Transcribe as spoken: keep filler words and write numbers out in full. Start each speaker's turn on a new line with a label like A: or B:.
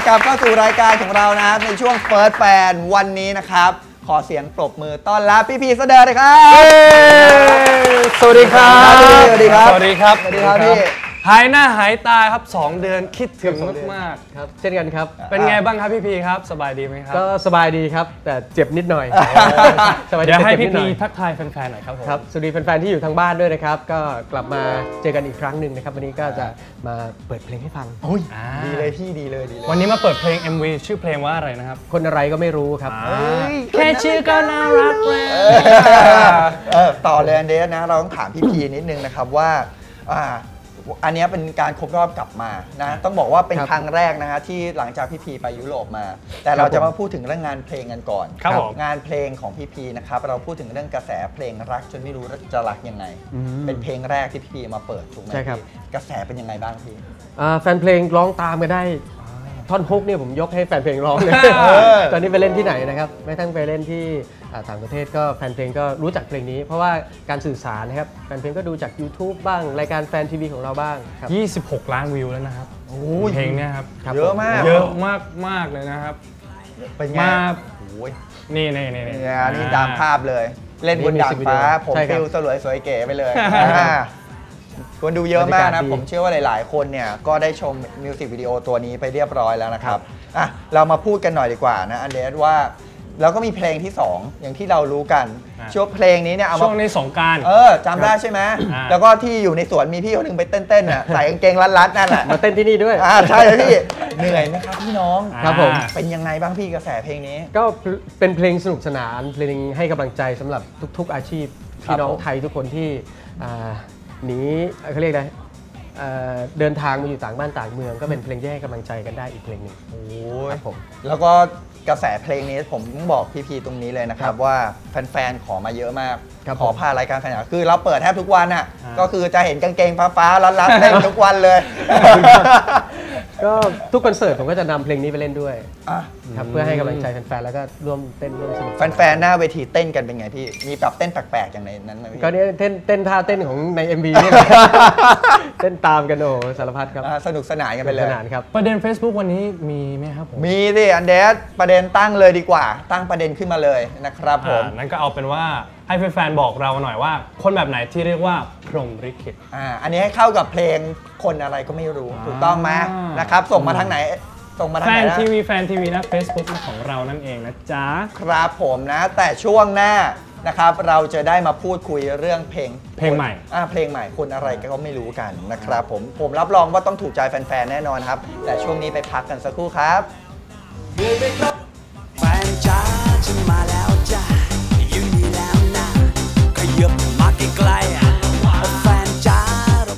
A: กลับเข้าสู่รายการของเรานะครับในช่วงเฟิร์สแฟนวันนี้นะครับขอเสียงปรบมือต้อนรับพี่พีเสดอเลยครับ
B: สวัสดีครับ
A: สวัสดีครับ
B: สวัสดีครับ
A: สวัสดีครับพี่
B: หายหน้าหายตาครับสองเดือนคิดถึงมาก
C: ๆครับเช่นกันครับ
B: เป็นไงบ้างครับพี่พีครับสบายดีไหมครับ
C: ก็สบายดีครับแต่เจ็บนิดหน่อย
B: เดี๋ยวให้พี่พีทักทายแฟนๆหน่อยครับผม
C: ครับสวัสดีแฟนๆที่อยู่ทางบ้านด้วยนะครับก็กลับมาเจอกันอีกครั้งหนึ่งนะครับวันนี้ก็จะมาเปิดเพลงให้ฟัง
A: โอ้ยดีเลยพี่ดีเลยดีเลย
B: วันนี้มาเปิดเพลง เอ็ม วี ชื่อเพลงว่าอะไรนะครับ
C: คนอะไรก็ไม่รู้ครับ
B: แค่ชื่อก็น่ารัก
A: แล้วต่อเลยอันเดสนะเราต้องถามพี่พีนิดนึงนะครับว่าอันนี้เป็นการครบรอบกลับมานะต้องบอกว่าเป็นครั้งแรกนะฮะที่หลังจากพี่พีไปยุโรปมาแต่เราจะมาพูดถึงเรื่องงานเพลงกันก่อนงานเพลงของพี่พีนะครับเราพูดถึงเรื่องกระแสเพลงรักจนไม่รู้จะรักยังไงเป็นเพลงแรกที่พี่พีมาเปิดถูกไหมพี่กระแสเป็นยังไงบ้างพี่
C: แฟนเพลงร้องตามกันได้ท่อนฮุกเนี่ยผมยกให้แฟนเพลงร้องเลยตอนนี้ไปเล่นที่ไหนนะครับไม่ทั้งไปเล่นที่ต่างประเทศก็แฟนเพลงก็รู้จักเพลงนี้เพราะว่าการสื่อสารนะครับแฟนเพลงก็ดูจาก YouTube บ้างรายการแฟนทีวีของเราบ้างครับ
B: ยี่สิบหกล้านวิวแล้วนะครับเพลงนี้ครับ
A: เยอะมาก
B: เยอะมากมากเลยนะครับ
A: เป็นไง
B: นี่นี่นี่นี่
A: นี่ตามภาพเลยเล่นบนดาดฟ้าผมฟิลสวยสวยเก๋ไปเลยคนดูเยอะมากนะผมเชื่อว่าหลายๆคนเนี่ยก็ได้ชมมิวสิกวิดีโอตัวนี้ไปเรียบร้อยแล้วนะครับอ่ะเรามาพูดกันหน่อยดีกว่านะอันเดสว่าแล้วก็มีเพลงที่สองอย่างที่เรารู้กันช่วงเพลงนี้เนี่ยเอามา
B: ช่วงในสงกรานต์
A: เออจำได้ใช่ไหมแล้วก็ที่อยู่ในสวนมีพี่คนหนึ่งไปเต้นๆน่ะใส่กางเกงรัดๆนั่นแหละ
C: มาเต้นที่นี่ด้วย
A: อ่าใช่พี่เหนื่อยไหมครับพี่น้อง
C: ครับผม
A: เป็นยังไงบ้างพี่กระแสเพลงนี้
C: ก็เป็นเพลงสนุกสนานเพลงให้กำลังใจสำหรับทุกๆอาชีพพี่น้องไทยทุกคนที่หนีเขาเรียกอะไรเดินทางมาอยู่ต่างบ้านต่างเมืองก็เป็นเพลงที่ให้กำลังใจกันได้อีกเพลงหนึ่ง
A: โอ้ยผมแล้วก็กระแสเพลงนี้ผมบอกพี่ๆตรงนี้เลยนะครับว่าแฟนๆขอมาเยอะมากขอพารายการแฟนคือเราเปิดแทบทุกวันอ่ะก็คือจะเห็นกางเกงฟ้าๆรัดๆเล่นทุกวันเลย
C: ก็ทุกคอนเสิร์ตผมก็จะนำเพลงนี้ไปเล่นด้วยครับเพื่อให้กำลังใจแฟนๆแล้วก็ร่วมเต้นร่วมสนุก
A: แฟนๆหน้าเวทีเต้นกันเป็นไงพี่มีแบบเต้นแปลกๆอย่างในนั้นไหมพี่
C: ก็เนี่ยเต้นเต้นท่าเต้นของใน เอ็ม วี นี่เต้นตามกันโอ้สารพัดครับ
A: สนุกสนานกันไปเลย
C: สนานครับ
B: ประเด็น Facebook วันนี้มีไหมครับผม
A: มีสิอันเดสประเด็นตั้งเลยดีกว่าตั้งประเด็นขึ้นมาเลยนะครับผม
B: นั้นก็เอาเป็นว่าให้แฟนๆบอกเราหน่อยว่าคนแบบไหนที่เรียกว่าพรหมลิขิต
A: อ่าอันนี้ให้เข้ากับเพลงคนอะไรก็ไม่รู้ถูกต้องไหมนะครับส่งมาทางไหนส่งมาทางไหน
B: แฟนทีวีแฟนทีวีนะ Facebook ของเรานั่นเองนะจ๊ะ
A: ครับผมนะแต่ช่วงหน้านะครับเราจะได้มาพูดคุยเรื่องเพลง
B: เพลงใหม่
A: อ่าเพลงใหม่คนอะไรก็ไม่รู้กันนะครับผมผมรับรองว่าต้องถูกใจแฟนๆแน่นอนครับแต่ช่วงนี้ไปพักกันสักครู่ครับ
D: แฟนจ้าฉันมาแล้วจ้าอยู่นี่แล้วนะขยับมาใกล้ๆ